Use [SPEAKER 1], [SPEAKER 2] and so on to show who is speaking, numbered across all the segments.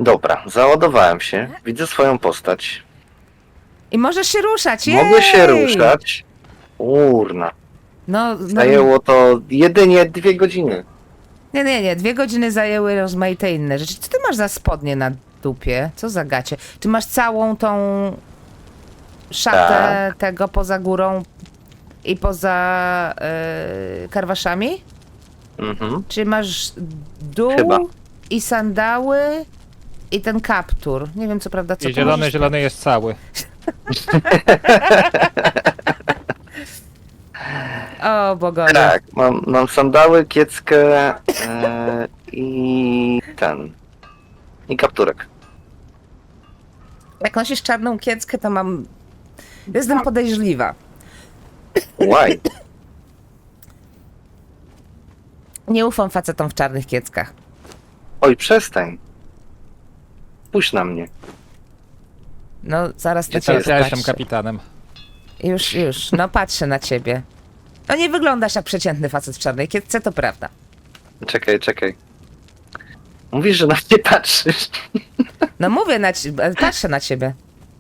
[SPEAKER 1] Dobra, załadowałem się, widzę swoją postać.
[SPEAKER 2] I możesz się ruszać,
[SPEAKER 1] Mogę się
[SPEAKER 2] jej!
[SPEAKER 1] ruszać. Urna.
[SPEAKER 2] No,
[SPEAKER 1] Zajęło to jedynie 2 godziny.
[SPEAKER 2] Nie. 2 godziny zajęły rozmaite inne rzeczy. Co ty masz za spodnie na dupie? Co za gacie? Ty masz całą tą szatę tego poza górą i poza karwaszami?
[SPEAKER 1] Mhm.
[SPEAKER 2] Czy masz dół
[SPEAKER 1] Chyba.
[SPEAKER 2] i sandały i ten kaptur? Nie wiem co prawda co
[SPEAKER 3] I
[SPEAKER 2] to możesz...
[SPEAKER 3] zielony jest cały.
[SPEAKER 2] O bogowie.
[SPEAKER 1] Tak, mam sandały, kieckę i kapturek.
[SPEAKER 2] Jak nosisz czarną kieckę, to jestem podejrzliwa.
[SPEAKER 1] Why?
[SPEAKER 2] Nie ufam facetom w czarnych kieckach.
[SPEAKER 1] Oj, przestań. Spójrz na mnie.
[SPEAKER 2] No, zaraz na
[SPEAKER 1] Gdzie
[SPEAKER 2] ciebie
[SPEAKER 1] jest?
[SPEAKER 3] Ja jestem
[SPEAKER 2] patrzę.
[SPEAKER 3] kapitanem.
[SPEAKER 2] Już, no patrzę na ciebie. No nie wyglądasz jak przeciętny facet w czarnej kiecce, to prawda.
[SPEAKER 1] Czekaj. Mówisz, że na mnie patrzysz.
[SPEAKER 2] No mówię, patrzę na ciebie.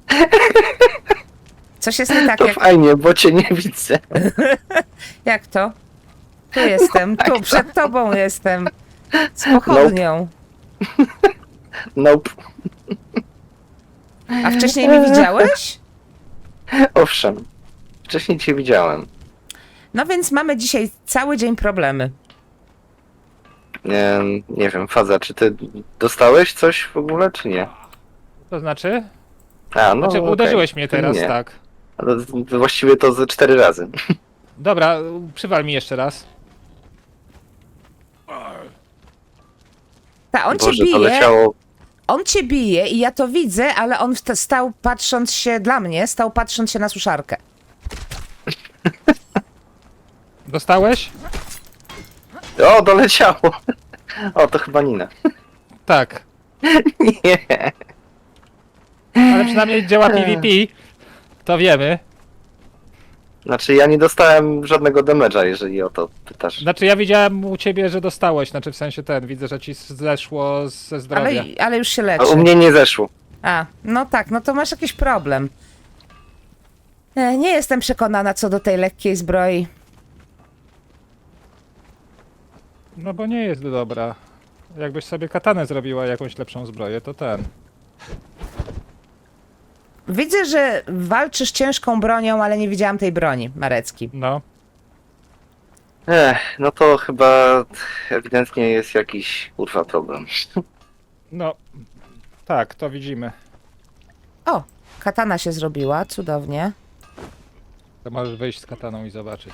[SPEAKER 2] Coś jest nie tak,
[SPEAKER 1] To
[SPEAKER 2] jak...
[SPEAKER 1] fajnie, bo cię nie widzę.
[SPEAKER 2] Jak to? Tu jestem,
[SPEAKER 1] Jak
[SPEAKER 2] tu,
[SPEAKER 1] to?
[SPEAKER 2] przed tobą jestem. Z pochodnią.
[SPEAKER 1] Nope.
[SPEAKER 2] A wcześniej mnie widziałeś?
[SPEAKER 1] Owszem. Wcześniej cię widziałem.
[SPEAKER 2] No więc mamy dzisiaj cały dzień problemy.
[SPEAKER 1] Nie wiem, Faza, czy ty dostałeś coś w ogóle, czy nie?
[SPEAKER 3] To znaczy?
[SPEAKER 1] A, no
[SPEAKER 3] Znaczy,
[SPEAKER 1] okej.
[SPEAKER 3] uderzyłeś mnie teraz,
[SPEAKER 1] Nie.
[SPEAKER 3] tak.
[SPEAKER 1] Ale właściwie to ze 4 razy.
[SPEAKER 3] Dobra, przywal mi jeszcze raz.
[SPEAKER 2] On
[SPEAKER 1] Boże,
[SPEAKER 2] cię bije,
[SPEAKER 1] to leciało.
[SPEAKER 2] on cię bije i ja to widzę, ale on stał patrząc się, dla mnie, stał patrząc się na suszarkę.
[SPEAKER 3] Dostałeś?
[SPEAKER 1] O, doleciało. O, to chyba Nina.
[SPEAKER 3] Tak.
[SPEAKER 1] Nie.
[SPEAKER 3] Ale przynajmniej działa PvP. To wiemy.
[SPEAKER 1] Znaczy, ja nie dostałem żadnego damage'a, jeżeli o to pytasz.
[SPEAKER 3] Znaczy ja widziałem u ciebie, że dostałeś. Znaczy w sensie widzę, że ci zeszło ze zdrowia.
[SPEAKER 2] Ale już się
[SPEAKER 1] A
[SPEAKER 2] leczy.
[SPEAKER 1] u mnie nie zeszło.
[SPEAKER 2] A, no tak, no to masz jakiś problem. Nie jestem przekonana co do tej lekkiej zbroi.
[SPEAKER 3] No bo nie jest dobra. Jakbyś sobie katanę zrobiła jakąś lepszą zbroję, to
[SPEAKER 2] Widzę, że walczysz ciężką bronią, ale nie widziałam tej broni, Marecki.
[SPEAKER 3] No.
[SPEAKER 1] No to chyba ewidentnie jest jakiś kurwa problem.
[SPEAKER 3] No. Tak, to widzimy.
[SPEAKER 2] O, katana się zrobiła, cudownie.
[SPEAKER 3] To możesz wyjść z kataną i zobaczyć.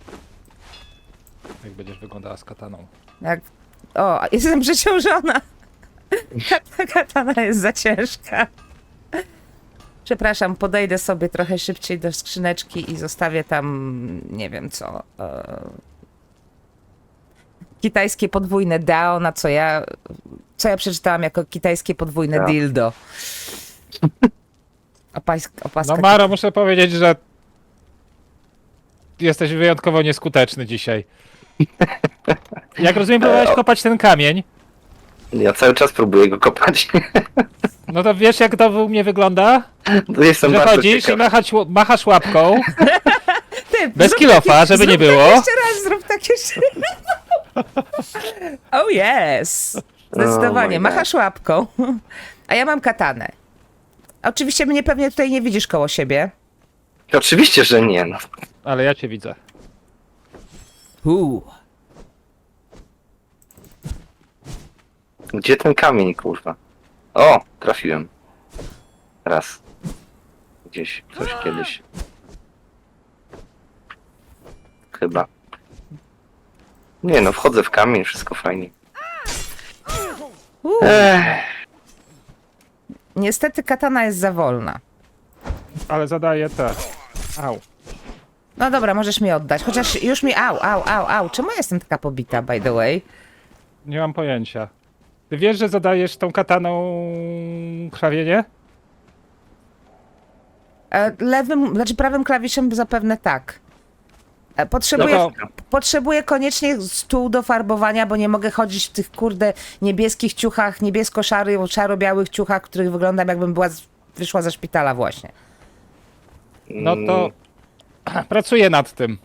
[SPEAKER 3] Jak będziesz wyglądała z kataną.
[SPEAKER 2] O, jestem przeciążona. Katana jest za ciężka. Przepraszam, podejdę sobie trochę szybciej do skrzyneczki i zostawię tam, nie wiem co, kitajskie podwójne dao, na co ja przeczytałam jako kitajskie podwójne
[SPEAKER 1] Tak.
[SPEAKER 2] dildo. Opaska.
[SPEAKER 3] No Maro, muszę powiedzieć, że jesteś wyjątkowo nieskuteczny dzisiaj. Jak rozumiem, próbowałeś kopać ten kamień.
[SPEAKER 1] Ja cały czas próbuję go kopać.
[SPEAKER 3] No to wiesz, jak to u mnie wygląda?
[SPEAKER 1] Jestem
[SPEAKER 3] Że
[SPEAKER 1] bardzo
[SPEAKER 3] chodzisz
[SPEAKER 1] ciekaw.
[SPEAKER 3] i machasz łapką.
[SPEAKER 2] Ty,
[SPEAKER 3] Bez
[SPEAKER 2] zrób
[SPEAKER 3] kilofa,
[SPEAKER 2] takie-
[SPEAKER 3] żeby nie
[SPEAKER 2] zrób
[SPEAKER 3] było.
[SPEAKER 2] Tak jeszcze raz, zrób tak jeszcze Oh yes! Zdecydowanie,
[SPEAKER 1] Oh my
[SPEAKER 2] machasz łapką. A ja mam katanę. Oczywiście mnie pewnie tutaj nie widzisz koło siebie.
[SPEAKER 1] Oczywiście, że nie. No.
[SPEAKER 3] Ale ja cię widzę.
[SPEAKER 1] Gdzie ten kamień, kurwa? O, trafiłem. Raz. Gdzieś, coś kiedyś. Chyba. Nie no, wchodzę w kamień, wszystko fajnie.
[SPEAKER 2] Niestety katana jest za wolna.
[SPEAKER 3] Ale zadaję te. Au.
[SPEAKER 2] No dobra, możesz mi oddać. Chociaż już mi... Au. Czemu ja jestem taka pobita, by the way?
[SPEAKER 3] Nie mam pojęcia. Ty wiesz, że zadajesz tą kataną krwawienie?
[SPEAKER 2] Prawym klawiszem zapewne tak. Potrzebuję,
[SPEAKER 3] No
[SPEAKER 2] potrzebuję koniecznie stół do farbowania, bo nie mogę chodzić w tych kurde niebieskich ciuchach, szaro-białych ciuchach, w których wyglądam jakbym wyszła ze szpitala właśnie.
[SPEAKER 3] No to pracuję nad tym.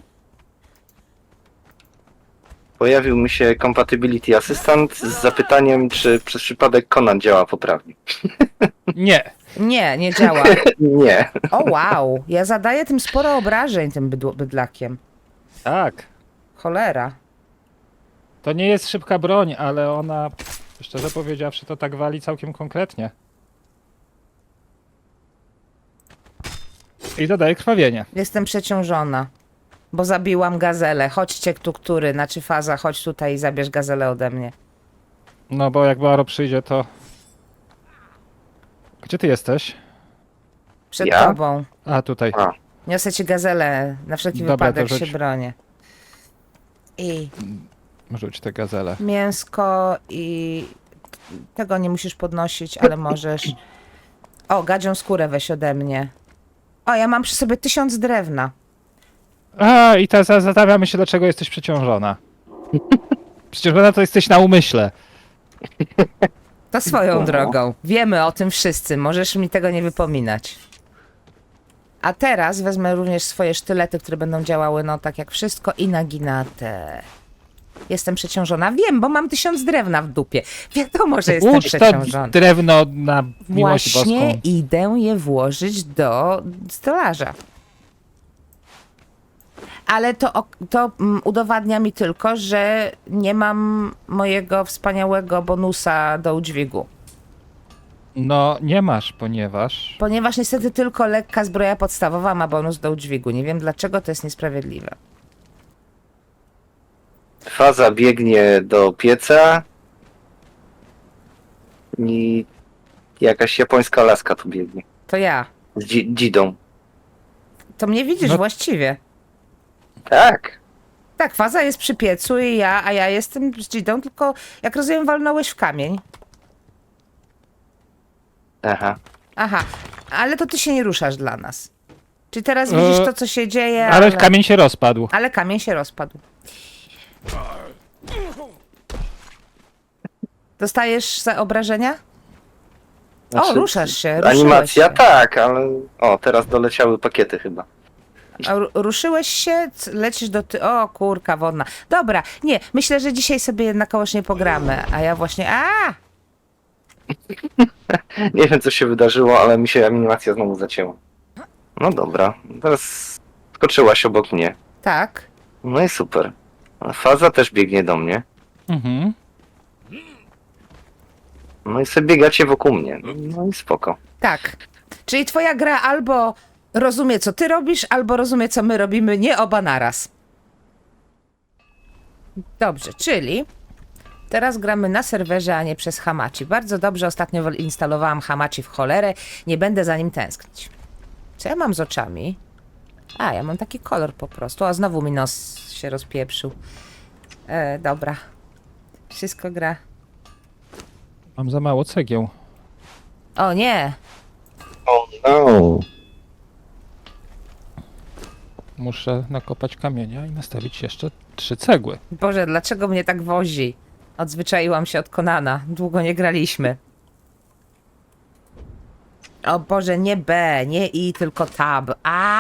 [SPEAKER 1] Pojawił mi się Compatibility Assistant z zapytaniem, czy przez przypadek Conan działa poprawnie.
[SPEAKER 3] Nie.
[SPEAKER 2] Nie, nie działa.
[SPEAKER 1] Nie.
[SPEAKER 2] O wow, ja zadaję tym sporo obrażeń tym bydlakiem.
[SPEAKER 3] Tak.
[SPEAKER 2] Cholera.
[SPEAKER 3] To nie jest szybka broń, ale ona, szczerze powiedziawszy, to tak wali całkiem konkretnie. I zadaje krwawienie.
[SPEAKER 2] Jestem przeciążona, bo zabiłam gazelę. Chodźcie tu, znaczy Faza, chodź tutaj i zabierz gazelę ode mnie.
[SPEAKER 3] No bo jak Baro przyjdzie, to... Gdzie ty jesteś?
[SPEAKER 2] Przed
[SPEAKER 1] Ja?
[SPEAKER 2] tobą.
[SPEAKER 3] A, tutaj.
[SPEAKER 1] A,
[SPEAKER 2] Niosę ci gazelę, na wszelki
[SPEAKER 3] Dobra,
[SPEAKER 2] wypadek
[SPEAKER 3] to
[SPEAKER 2] się
[SPEAKER 3] rzuć.
[SPEAKER 2] bronię. I
[SPEAKER 3] Rzuć tę gazelę.
[SPEAKER 2] mięsko i... Tego nie musisz podnosić, ale możesz. O, gadzią skórę weź ode mnie. O, ja mam przy sobie 1000 drewna.
[SPEAKER 3] A, i teraz zastanawiamy się, dlaczego jesteś przeciążona. Przecież na to jesteś na umyśle.
[SPEAKER 2] To swoją drogą. Wiemy o tym wszyscy. Możesz mi tego nie wypominać. A teraz wezmę również swoje sztylety, które będą działały, no tak jak wszystko, i naginatę. Jestem przeciążona. Wiem, bo mam 1000 drewna w dupie. Wiadomo, że jestem
[SPEAKER 3] Ucz to
[SPEAKER 2] przeciążona.
[SPEAKER 3] drewno na miłość
[SPEAKER 2] Właśnie
[SPEAKER 3] boską.
[SPEAKER 2] idę je włożyć do stolarza. Ale to udowadnia mi tylko, że nie mam mojego wspaniałego bonusa do udźwigu.
[SPEAKER 3] No, nie masz, ponieważ...
[SPEAKER 2] Ponieważ niestety tylko lekka zbroja podstawowa ma bonus do udźwigu. Nie wiem dlaczego, to jest niesprawiedliwe.
[SPEAKER 1] Faza biegnie do pieca i jakaś japońska laska tu biegnie.
[SPEAKER 2] To ja.
[SPEAKER 1] Z dzidą.
[SPEAKER 2] To mnie widzisz
[SPEAKER 3] No-
[SPEAKER 2] właściwie.
[SPEAKER 1] Tak.
[SPEAKER 2] Tak, Faza jest przy piecu a ja jestem z Gidą, tylko jak rozumiem walnąłeś w kamień.
[SPEAKER 1] Aha.
[SPEAKER 2] Aha, ale to ty się nie ruszasz dla nas. Czyli teraz widzisz to, co się dzieje,
[SPEAKER 3] Ale kamień się rozpadł.
[SPEAKER 2] ale kamień się rozpadł. Dostajesz za obrażenia?
[SPEAKER 1] Znaczy,
[SPEAKER 2] ruszasz się, ruszyłeś
[SPEAKER 1] Animacja
[SPEAKER 2] się.
[SPEAKER 1] tak, ale... O, teraz doleciały pakiety chyba.
[SPEAKER 2] Ruszyłeś się, lecisz do O, kurka wodna. Dobra, nie, myślę, że dzisiaj sobie jednakowoż nie pogramy, a ja właśnie...
[SPEAKER 1] Nie wiem, co się wydarzyło, ale mi się animacja znowu zacięła. No dobra, teraz skoczyłaś obok mnie.
[SPEAKER 2] Tak.
[SPEAKER 1] No i super. Faza też biegnie do mnie.
[SPEAKER 3] Mhm.
[SPEAKER 1] No i sobie biegacie wokół mnie. No i spoko.
[SPEAKER 2] Tak. Czyli twoja gra albo rozumie, co ty robisz, albo rozumie, co my robimy, nie oba naraz. Dobrze, czyli teraz gramy na serwerze, a nie przez Hamachi. Bardzo dobrze, ostatnio instalowałam Hamachi w cholerę, nie będę za nim tęsknić. Co ja mam z oczami? A, ja mam taki kolor po prostu. A znowu mi nos się rozpieprzył. Dobra. Wszystko gra.
[SPEAKER 3] Mam za mało cegieł.
[SPEAKER 2] O nie!
[SPEAKER 1] Oh no.
[SPEAKER 3] Muszę nakopać kamienia i nastawić jeszcze 3 cegły.
[SPEAKER 2] Boże, dlaczego mnie tak wozi? Odzwyczaiłam się od Conana. Długo nie graliśmy. O Boże, nie B, nie I, tylko tab.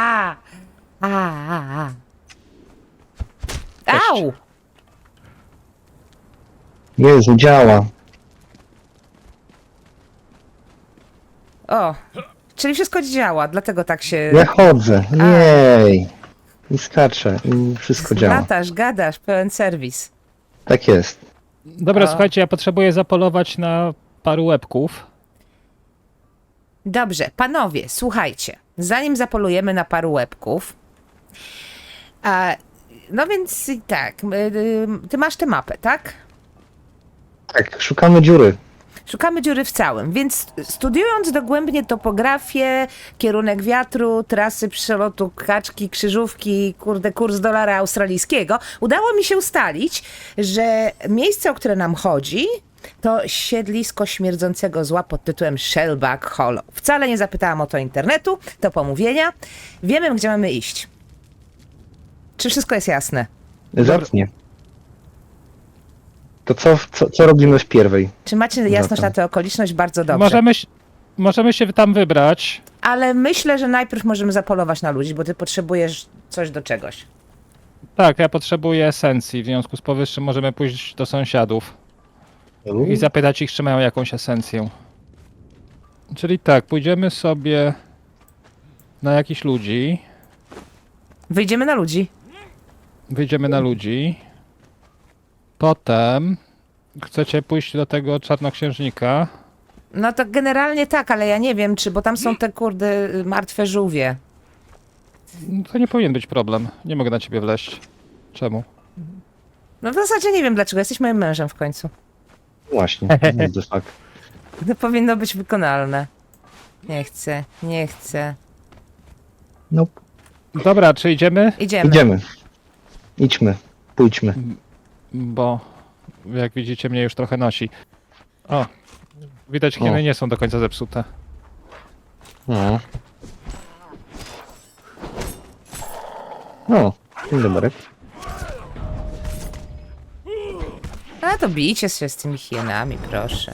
[SPEAKER 2] Au!
[SPEAKER 1] Jezu, działa.
[SPEAKER 2] O, czyli wszystko działa, dlatego tak się...
[SPEAKER 4] Ja chodzę, jej. I skaczę, i wszystko działa.
[SPEAKER 2] Latasz, gadasz, pełen serwis.
[SPEAKER 4] Tak jest.
[SPEAKER 3] Dobra,
[SPEAKER 2] A.
[SPEAKER 3] słuchajcie, ja potrzebuję zapolować na paru łebków.
[SPEAKER 2] Dobrze, panowie, słuchajcie. Zanim zapolujemy na paru łebków, no więc i tak, ty masz tę mapę, tak?
[SPEAKER 4] Tak, szukamy dziury.
[SPEAKER 2] Szukamy dziury w całym, więc studiując dogłębnie topografię, kierunek wiatru, trasy przelotu kaczki, krzyżówki, kurs dolara australijskiego, udało mi się ustalić, że miejsce, o które nam chodzi, to siedlisko śmierdzącego zła pod tytułem Shellback Hollow. Wcale nie zapytałam o to internetu, to pomówienia. Wiemy, gdzie mamy iść. Czy wszystko jest jasne?
[SPEAKER 4] Zacnie. To co robimy w pierwej?
[SPEAKER 2] Czy macie jasność
[SPEAKER 4] Zatem.
[SPEAKER 2] na tę okoliczność? Bardzo dobrze.
[SPEAKER 3] Możemy się tam wybrać.
[SPEAKER 2] Ale myślę, że najpierw możemy zapolować na ludzi, bo ty potrzebujesz coś do czegoś.
[SPEAKER 3] Tak, ja potrzebuję esencji, w związku z powyższym możemy pójść do sąsiadów i zapytać ich, czy mają jakąś esencję. Czyli tak, pójdziemy sobie na jakichś ludzi,
[SPEAKER 2] Wyjdziemy na ludzi.
[SPEAKER 3] wyjdziemy na ludzi, potem chcecie pójść do tego czarnoksiężnika.
[SPEAKER 2] No to generalnie tak, ale ja nie wiem, czy, bo tam są te kurde martwe żółwie.
[SPEAKER 3] To nie powinien być problem, nie mogę na ciebie wleźć. Czemu?
[SPEAKER 2] No w zasadzie nie wiem dlaczego, jesteś moim mężem w końcu.
[SPEAKER 4] Właśnie. No, tak.
[SPEAKER 2] To powinno być wykonalne. Nie chcę.
[SPEAKER 4] Nope.
[SPEAKER 3] Dobra, czy idziemy?
[SPEAKER 2] Idziemy.
[SPEAKER 4] Idziemy. Idźmy. Pójdźmy.
[SPEAKER 3] Bo jak widzicie mnie już trochę nosi. O, widać hieny
[SPEAKER 4] O.
[SPEAKER 3] nie są do końca zepsute.
[SPEAKER 4] No. O, dzień dobry.
[SPEAKER 2] A to bijcie się z tymi hienami, proszę.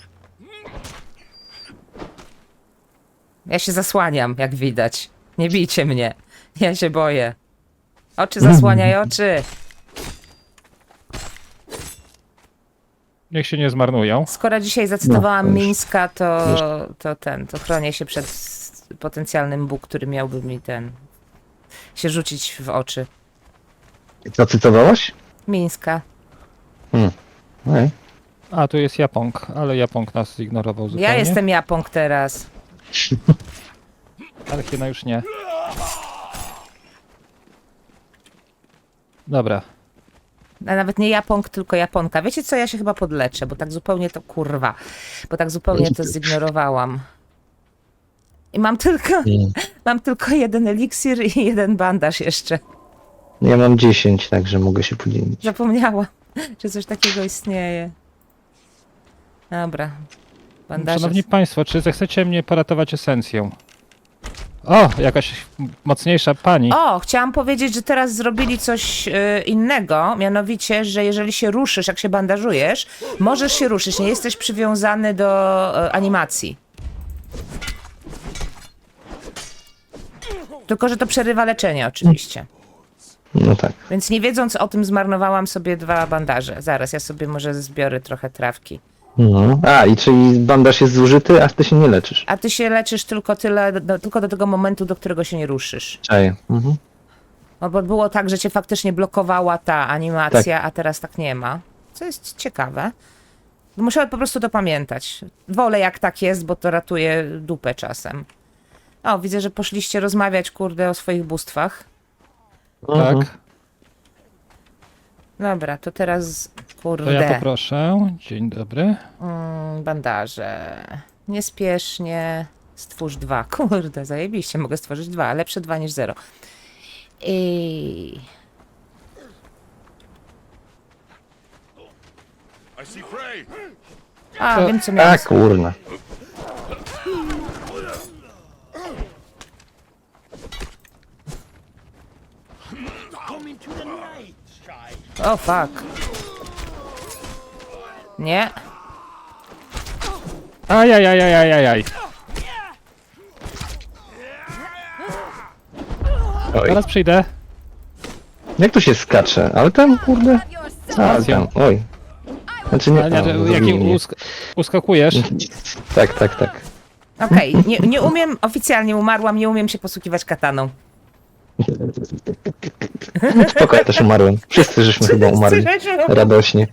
[SPEAKER 2] Ja się zasłaniam, jak widać. Nie bijcie mnie. Ja się boję. Oczy zasłaniaj, oczy.
[SPEAKER 3] Niech się nie zmarnują.
[SPEAKER 2] Skoro dzisiaj zacytowałam
[SPEAKER 4] No, to już-
[SPEAKER 2] Mińska, to chronię się przed potencjalnym Bóg, który miałby mi się rzucić w oczy.
[SPEAKER 4] Co cytowałaś?
[SPEAKER 2] Mińska.
[SPEAKER 4] Ej.
[SPEAKER 3] A, tu jest Japong, ale Japong nas zignorował zupełnie.
[SPEAKER 2] Ja jestem Japong teraz.
[SPEAKER 3] Ale hiena już nie. Dobra.
[SPEAKER 2] A nawet nie Japong, tylko Japonka. Wiecie co, ja się chyba podleczę, bo tak zupełnie to kurwa. Bo tak zupełnie to zignorowałam. I mam tylko jeden eliksir i jeden bandaż jeszcze.
[SPEAKER 4] Ja mam 10, także mogę się podzielić.
[SPEAKER 2] Zapomniałam, że coś takiego istnieje. Dobra. Bandaże.
[SPEAKER 3] Szanowni Państwo, czy zechcecie mnie poratować esencją? O, jakaś mocniejsza pani.
[SPEAKER 2] O, chciałam powiedzieć, że teraz zrobili coś innego, mianowicie, że jeżeli się ruszysz, jak się bandażujesz, możesz się ruszyć, nie jesteś przywiązany do animacji. Tylko, że to przerywa leczenie oczywiście.
[SPEAKER 4] No tak.
[SPEAKER 2] Więc nie wiedząc o tym zmarnowałam sobie 2 bandaże. Zaraz, ja sobie może zbiorę trochę trawki.
[SPEAKER 4] No. A, i czyli bandaż jest zużyty, a ty się nie leczysz.
[SPEAKER 2] A ty się leczysz tylko tylko do tego momentu, do którego się nie ruszysz.
[SPEAKER 4] Czaję. Mhm.
[SPEAKER 2] No bo było tak, że cię faktycznie blokowała ta animacja, a teraz tak nie ma. Co jest ciekawe. Muszę po prostu to pamiętać. Wolę jak tak jest, bo to ratuje dupę czasem. O, widzę, że poszliście rozmawiać, kurde, o swoich bóstwach.
[SPEAKER 3] Tak,
[SPEAKER 2] Dobra, to teraz,
[SPEAKER 3] to
[SPEAKER 2] kurde,
[SPEAKER 3] ja poproszę. Dzień dobry.
[SPEAKER 2] bandaże. Niespiesznie. Stwórz 2. Kurde, zajebiście, mogę stworzyć 2. Lepsze 2 niż 0. I... A, wiem co miałem.
[SPEAKER 4] A, kurna.
[SPEAKER 2] O, fuck. Nie.
[SPEAKER 3] Ajajajajajajaj.
[SPEAKER 4] Oj.
[SPEAKER 3] Zaraz przyjdę.
[SPEAKER 4] Jak tu się skacze? Ale tam, kurde. A, tam, oj. Znaczy nie,
[SPEAKER 3] A, nie,
[SPEAKER 4] o,
[SPEAKER 3] że
[SPEAKER 4] zabili
[SPEAKER 3] jakim
[SPEAKER 4] mnie.
[SPEAKER 3] uskakujesz?
[SPEAKER 4] Tak, tak, tak.
[SPEAKER 2] Okej, nie umiem, oficjalnie umarłam, nie umiem się posługiwać kataną.
[SPEAKER 4] Spoko, ja też umarłem. Wszyscy żeśmy chyba umarli. Radośnie.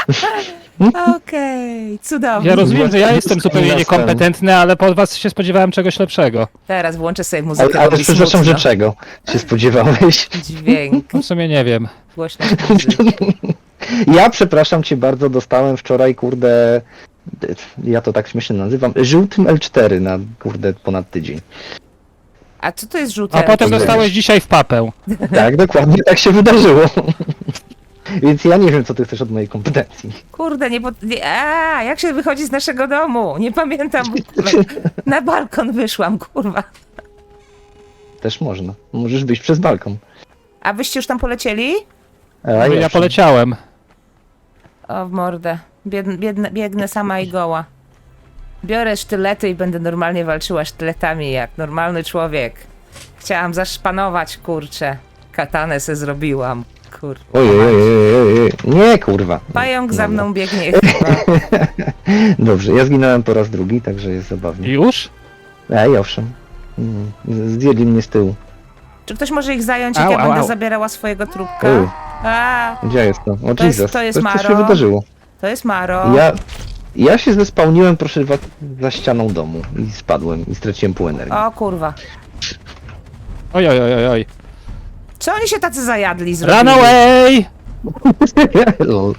[SPEAKER 2] Okej, cudownie.
[SPEAKER 3] Ja rozumiem, że ja
[SPEAKER 4] Jest
[SPEAKER 3] jestem zupełnie
[SPEAKER 4] miastem.
[SPEAKER 3] niekompetentny, ale po was się spodziewałem czegoś lepszego.
[SPEAKER 2] Teraz włączę sobie muzykę.
[SPEAKER 4] Ale
[SPEAKER 2] robi
[SPEAKER 4] przepraszam, że
[SPEAKER 2] smutno.
[SPEAKER 4] czego się spodziewałeś?
[SPEAKER 2] Dźwięk,
[SPEAKER 3] W sumie nie wiem.
[SPEAKER 2] głośność muzyki.
[SPEAKER 4] Ja przepraszam cię bardzo, dostałem wczoraj, kurde, ja to tak śmiesznie nazywam, żółtym L4 na, kurde, ponad tydzień.
[SPEAKER 2] A co to jest żółte?
[SPEAKER 3] A potem
[SPEAKER 4] nie.
[SPEAKER 3] dostałeś dzisiaj w papę.
[SPEAKER 4] Tak, dokładnie tak się wydarzyło. Więc ja nie wiem, co ty chcesz od mojej kompetencji.
[SPEAKER 2] Kurde, jak się wychodzi z naszego domu? Nie pamiętam. Na balkon wyszłam, kurwa.
[SPEAKER 4] Też można. Możesz wyjść przez balkon.
[SPEAKER 2] A wyście już tam polecieli?
[SPEAKER 4] A
[SPEAKER 3] Ja
[SPEAKER 4] owszem.
[SPEAKER 3] poleciałem.
[SPEAKER 2] O, w mordę. Biegnę sama i goła. Biorę sztylety i będę normalnie walczyła sztyletami, jak normalny człowiek. Chciałam zaszpanować, kurczę. Katanę se zrobiłam, kurwa.
[SPEAKER 4] Ojej. Nie, kurwa.
[SPEAKER 2] Pająk za
[SPEAKER 4] Dobra.
[SPEAKER 2] mną biegnie chyba.
[SPEAKER 4] Dobrze, ja zginąłem po raz drugi, także jest zabawnie.
[SPEAKER 3] Już?
[SPEAKER 4] Ej, owszem. Zdjęli mnie z tyłu.
[SPEAKER 2] Czy ktoś może ich zająć, jak
[SPEAKER 3] Au,
[SPEAKER 2] ja
[SPEAKER 3] au,
[SPEAKER 2] będę
[SPEAKER 3] au.
[SPEAKER 2] zabierała swojego trupka?
[SPEAKER 4] Ej,
[SPEAKER 2] A,
[SPEAKER 4] gdzie jest to? O
[SPEAKER 2] To jest-
[SPEAKER 4] Jesus,
[SPEAKER 2] to jest
[SPEAKER 4] coś się
[SPEAKER 2] Maro.
[SPEAKER 4] wydarzyło.
[SPEAKER 2] to jest Maro.
[SPEAKER 4] Ja się zespałniłem, proszę was, za ścianą domu i spadłem i straciłem pół energii.
[SPEAKER 2] O kurwa.
[SPEAKER 3] Oj, oj, oj, oj, oj.
[SPEAKER 2] Co oni się tacy zajadli zrobili?
[SPEAKER 3] Run away!
[SPEAKER 4] Lol.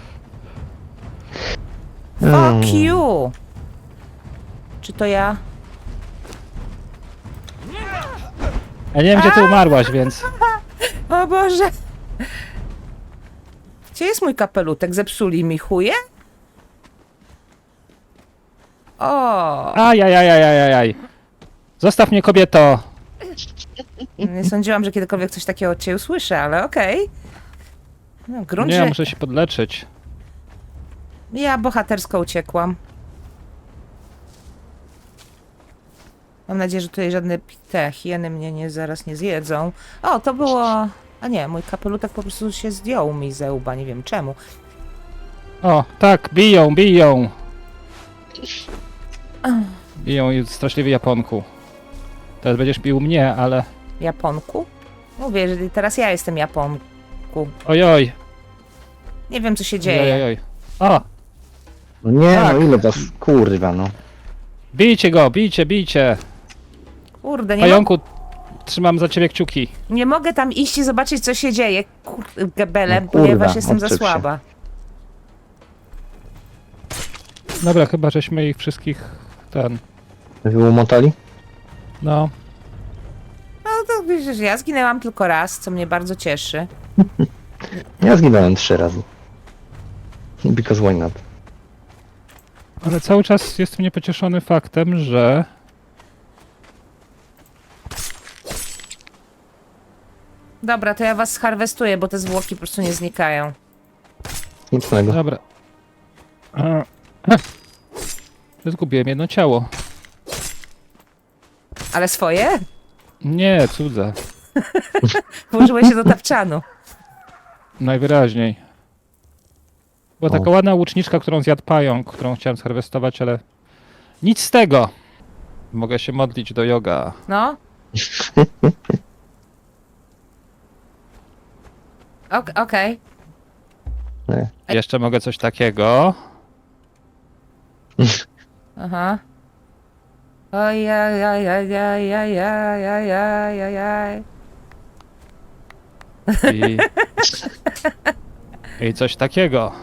[SPEAKER 2] Fuck you! Czy to ja?
[SPEAKER 3] Ja nie wiem, gdzie ty umarłaś, więc...
[SPEAKER 2] O Boże! Gdzie jest mój kapelutek? Zepsuli mi chuje? O!
[SPEAKER 3] Ajajajajajaj. Zostaw mnie, kobieto.
[SPEAKER 2] Nie sądziłam, że kiedykolwiek coś takiego od ciebie usłyszę, ale okej. No, grunt,
[SPEAKER 3] Nie,
[SPEAKER 2] że
[SPEAKER 3] muszę się podleczyć.
[SPEAKER 2] ja bohatersko uciekłam. Mam nadzieję, że tutaj żadne te hieny mnie zaraz nie zjedzą. O, to było... A nie, mój kapelutek po prostu się zdjął mi ze łba, nie wiem czemu.
[SPEAKER 3] O, tak, biją, biją. Biją i straszliwy Japonku. Teraz będziesz bił mnie, ale...
[SPEAKER 2] Japonku? Mówię, że teraz ja jestem Japonku.
[SPEAKER 3] Ojoj.
[SPEAKER 2] Nie wiem, co się dzieje.
[SPEAKER 3] Ojoj. O,
[SPEAKER 4] No nie,
[SPEAKER 3] Tak.
[SPEAKER 4] no ile was, kurwa, no.
[SPEAKER 3] bijcie go, bijcie, bijcie.
[SPEAKER 2] Kurde,
[SPEAKER 3] Pająku, trzymam za ciebie kciuki.
[SPEAKER 2] nie mogę tam iść i zobaczyć, co się dzieje. Kurde, Bele,
[SPEAKER 4] No kurwa,
[SPEAKER 2] ponieważ jestem za
[SPEAKER 4] odczep się.
[SPEAKER 2] słaba.
[SPEAKER 3] Dobra, chyba żeśmy ich wszystkich...
[SPEAKER 4] Wyłomotali?
[SPEAKER 3] No,
[SPEAKER 2] No to wiesz, ja zginęłam tylko raz, co mnie bardzo cieszy.
[SPEAKER 4] Ja zginąłem 3 razy. Because why not?
[SPEAKER 3] ale cały czas jestem niepocieszony faktem, że...
[SPEAKER 2] Dobra, to ja was harwestuję, bo te zwłoki po prostu nie znikają.
[SPEAKER 4] Mocnego.
[SPEAKER 3] Dobra. Zgubiłem jedno ciało.
[SPEAKER 2] Ale swoje?
[SPEAKER 3] Nie, cudze.
[SPEAKER 2] Włożyłeś się do tapczanu.
[SPEAKER 3] Najwyraźniej. Była
[SPEAKER 4] O.
[SPEAKER 3] taka ładna łuczniczka, którą zjadł pająk, którą chciałem zharwestować, ale... Nic z tego! Mogę się modlić do yoga.
[SPEAKER 2] No. Okej.
[SPEAKER 3] Jeszcze mogę coś takiego.
[SPEAKER 2] Aha. Ojajajajajajajajajajaj.
[SPEAKER 3] I... I coś takiego.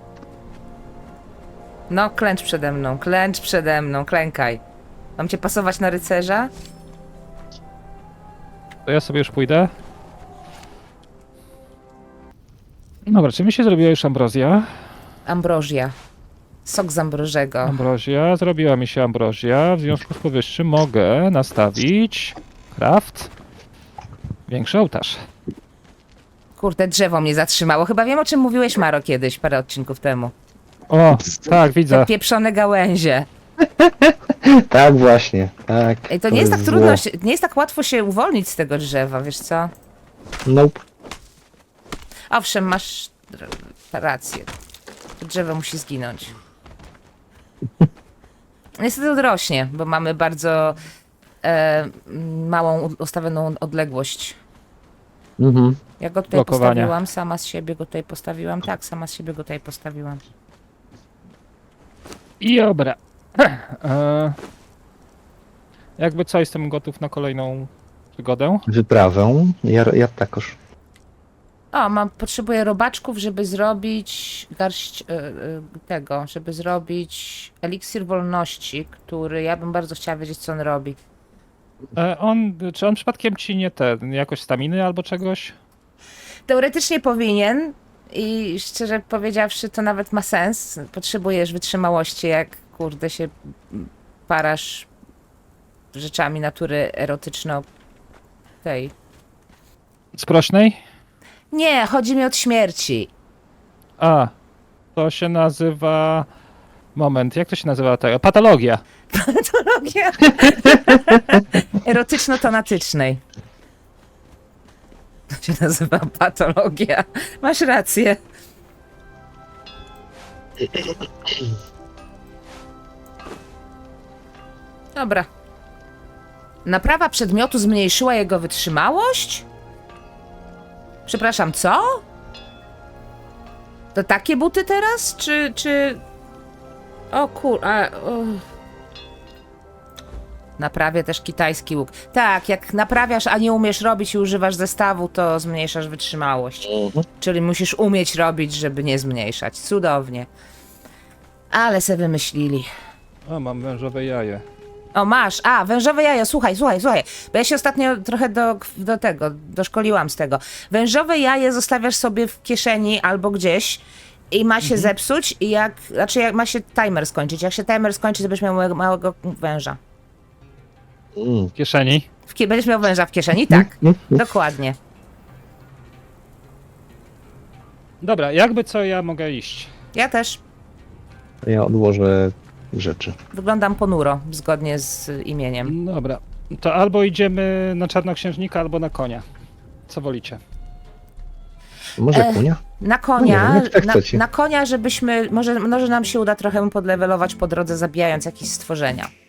[SPEAKER 2] No, klęcz przede mną, klękaj. Mam cię pasować na rycerza?
[SPEAKER 3] To ja sobie już pójdę. Dobra, czy mi się zrobiła już ambrozja?
[SPEAKER 2] Ambrozja. Sok z ambrożego.
[SPEAKER 3] Ambrozja, zrobiła mi się ambrozja. W związku z powyższym mogę nastawić craft. Większy ołtarz.
[SPEAKER 2] Kurde, drzewo mnie zatrzymało. Chyba wiem, o czym mówiłeś, Maro, kiedyś, parę odcinków temu.
[SPEAKER 3] O, tak, widzę.
[SPEAKER 2] Te pieprzone gałęzie.
[SPEAKER 4] Tak właśnie, tak.
[SPEAKER 2] Ej, to nie jest tak
[SPEAKER 4] zło.
[SPEAKER 2] trudno, nie jest tak łatwo się uwolnić z tego drzewa, wiesz co?
[SPEAKER 4] Nope.
[SPEAKER 2] Owszem, masz rację. To drzewo musi zginąć. Niestety odrośnie, bo mamy bardzo małą ustawioną odległość.
[SPEAKER 4] Mhm.
[SPEAKER 2] Ja go tutaj
[SPEAKER 3] Blokowania.
[SPEAKER 2] postawiłam, sama z siebie go tutaj postawiłam. Tak, sama z siebie go tutaj postawiłam.
[SPEAKER 3] I dobra. Jakby co, jestem gotów na kolejną przygodę.
[SPEAKER 4] Wyprawę. Ja takoż.
[SPEAKER 2] O, potrzebuję robaczków, żeby zrobić garść tego, żeby zrobić eliksir wolności, który ja bym bardzo chciała wiedzieć, co on robi.
[SPEAKER 3] Czy on przypadkiem ci nie jakoś staminy albo czegoś?
[SPEAKER 2] Teoretycznie powinien i szczerze powiedziawszy, to nawet ma sens. Potrzebujesz wytrzymałości, jak kurde się parasz rzeczami natury erotyczno tej.
[SPEAKER 3] Sprośnej?
[SPEAKER 2] Nie, chodzi mi od śmierci.
[SPEAKER 3] A, to się nazywa... Moment, jak to się nazywa? Patologia.
[SPEAKER 2] Patologia erotyczno-tonatycznej. To się nazywa patologia. Masz rację. Dobra. Naprawa przedmiotu zmniejszyła jego wytrzymałość? Przepraszam, co? To takie buty teraz? Czy... O kur... Naprawię też kitajski łuk. Tak, jak naprawiasz, a nie umiesz robić i używasz zestawu, to zmniejszasz wytrzymałość. Czyli musisz umieć robić, żeby nie zmniejszać. Cudownie. Ale se wymyślili.
[SPEAKER 3] O, mam wężowe jaje.
[SPEAKER 2] O, masz. A, wężowe jajo. Słuchaj. Bo ja się ostatnio trochę doszkoliłam z tego. Wężowe jaje zostawiasz sobie w kieszeni albo gdzieś i ma się zepsuć i jak ma się timer skończyć. Jak się timer skończy, to będziesz miał małego węża.
[SPEAKER 3] W kieszeni.
[SPEAKER 2] Będziesz miał węża w kieszeni? Tak. Dokładnie.
[SPEAKER 3] Dobra, jakby co, ja mogę iść.
[SPEAKER 2] Ja też
[SPEAKER 4] Ja odłożę rzeczy.
[SPEAKER 2] wyglądam ponuro, zgodnie z imieniem.
[SPEAKER 3] Dobra, to albo idziemy na czarnoksiężnika, albo na konia. Co wolicie?
[SPEAKER 4] Może konia?
[SPEAKER 2] Na konia,
[SPEAKER 4] Nie wiem, jak chcecie.
[SPEAKER 2] na konia, żebyśmy, może nam się uda trochę podlewelować po drodze, zabijając jakieś stworzenia.